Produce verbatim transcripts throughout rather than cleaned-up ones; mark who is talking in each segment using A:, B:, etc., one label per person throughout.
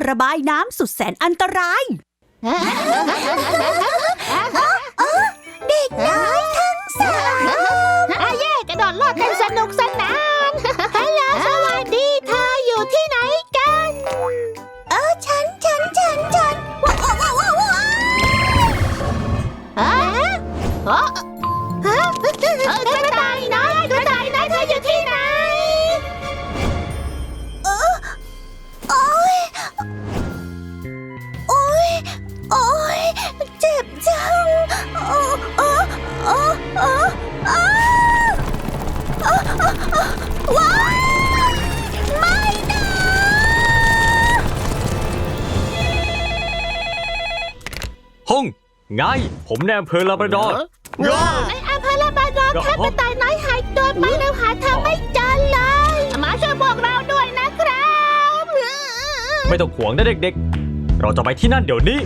A: ระบายน้ำสุดแสนอันตรายเด็กน้อยทั้งสาม
B: อาเย่กระโดดโลดกันสนุกสนานฮัลโหลสวัสดีเธออยู่ที่ไหนกัน
A: เออฉันฉันฉันฉันว้าวว้าวว้าวว้าว
B: ฮะฮะฮะกระต่ายน้อยกระต่ายน้อยเธออยู่ที่ไหน
A: เออโอ้ยโอ้ยโอ้ยเจ็บจังโอ้โอ้โอ้โอ้โอ้ว้าวไม่นะ
C: ห้องไงผมในอำเภอลาบราดอร์
B: ในอำเภอลาบราดอร์แค่กระต่ายน้อยหายตัวไปแล้วหาทางไม่เจอเลยมาช่วยพวกเราด้วยนะครับ
C: ไม่ต้องห่วงนะเด็กๆเราจะไปที่นั่นเดี๋ยวนี้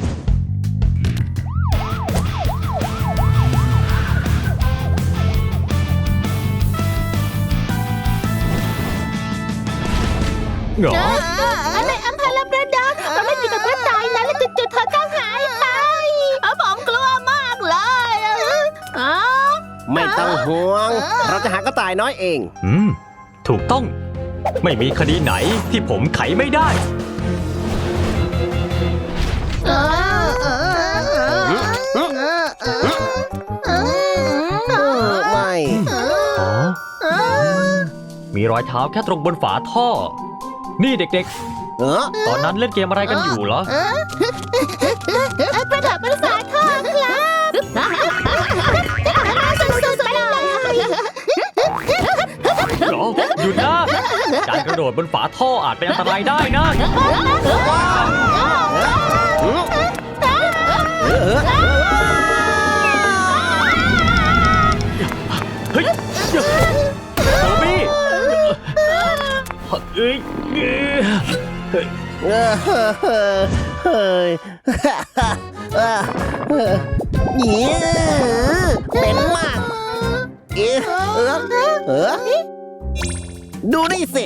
C: เหรอ
B: ในอำเภอลาบราดอร์เราไม่มีกับกระต่ายนะแล้วจุดๆเธอก็หายไปผมกลัวมากเลย
D: ไม่ต้องห่วงเราจะหากระต่ายน้อยเอง
C: อืมถูกต้องไม่มีคดีไหนที่ผมไขไม่ได้
D: ไม่
C: มีรอยเท้าแค่ตรงบนฝาท่อนี่เด็กๆตอนนั้นเล่นเกมอะไรกันอยู่เหร
B: อกระดาษบนฝาท่อครับสุดๆไปเลย
C: หรอหยุดนะการกระโดดบนฝาท่ออาจเป็นอันตรายได้นะเฮ้ยโทบี้เอ้ย
D: เฮ้ยเฮ้ยนี่เป็นมากเอ๊ะเออเออดูนี่สิ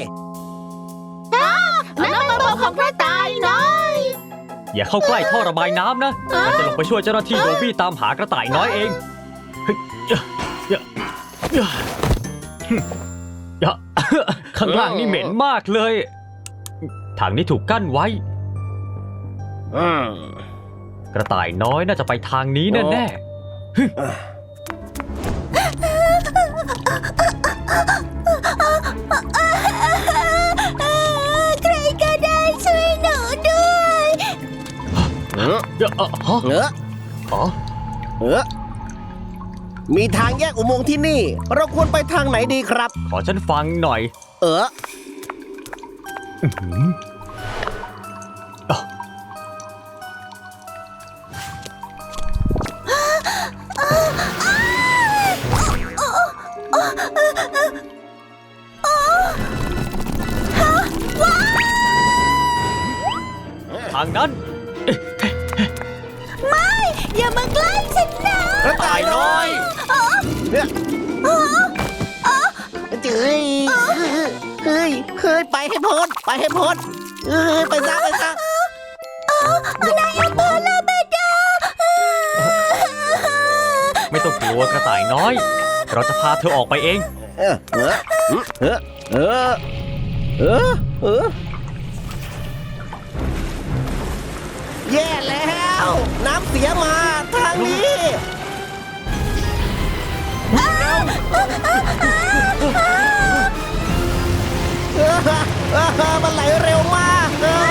B: นั่นเป็นตัวของกระต่ายน้อย
C: อย่าเข้าใกล้ท่อระบายน้ำนะฉันจะลงไปช่วยเจ้าหน้าที่โดบี้ตามหากระต่ายน้อยเองเฮ้ยข้างล่างนี่เหม็นมากเลยทางนี้ถูกกั้นไว้กระต่ายน้อยน่าจะไปทางนี้แน่ๆ
A: ใครก็ได้ช่วยหนูด้วย
C: เออเออ
D: เออมีทางแยกอุโมงค์ที่นี่เราควรไปทางไหนดีครับ
C: ขอฉันฟังหน่อย
D: เออ
C: ทางนั้น
A: ไม่อย่ามาใกล้ฉันนะ
D: กระต่ายน้อยเนี่ยเฮ้ยเฮ้ยเฮ้ยไปให้พ้นไปให้พ้นเฮ้ยไปซะไปซะ
A: นายอำเภอลาบราดอร์
C: ไม่ต้องกลัวกระต่ายน้อยเราจะพาเธอออกไปเอง
D: เออเออเออเออเออเออแย่แล้วน้ำเสียมาทางนี้มันไหลเร็วมาก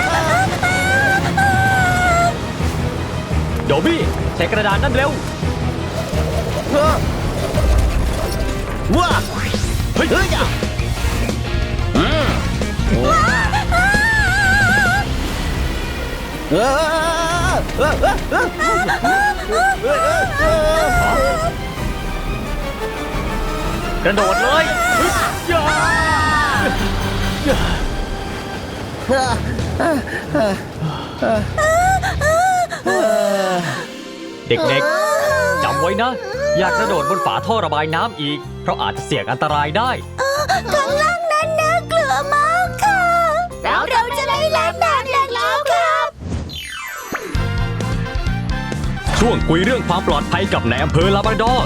C: โดบี้ใช้กระดานนั่นเร็ว
D: ว้าเฮ้ยเฮ้ยอ่ะ
C: กระโดดเลยเด็กๆจำไว้นะอย่ากระโดดบนฝาท่อระบายน้ำอีกเพราะอาจจะเสี่ยงอันตรายได้
A: ข้างล่างนั้นน่ากลัวมากค่ะเราเราจะไม่ล้างน้ำแล้วค่ะ
C: ช่วงคุยเรื่องความปลอดภัยกับนายอำเภอลาบราดอร์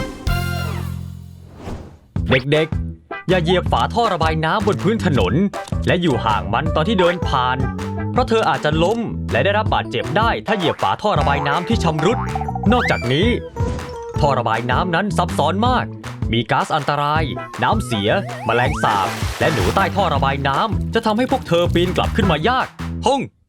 C: เด็กๆ อย่าเหยียบฝาท่อระบายน้ำบนพื้นถนน และอยู่ห่างมันตอนที่เดินผ่าน เพราะเธออาจจะล้มและได้รับบาดเจ็บได้ถ้าเหยียบฝาท่อระบายน้ำที่ชำรุด นอกจากนี้ ท่อระบายน้ำนั้นซับซ้อนมาก มีก๊าซอันตราย น้ำเสีย แมลงสาบ และหนูใต้ท่อระบายน้ำจะทำให้พวกเธอปีนกลับขึ้นมายากพง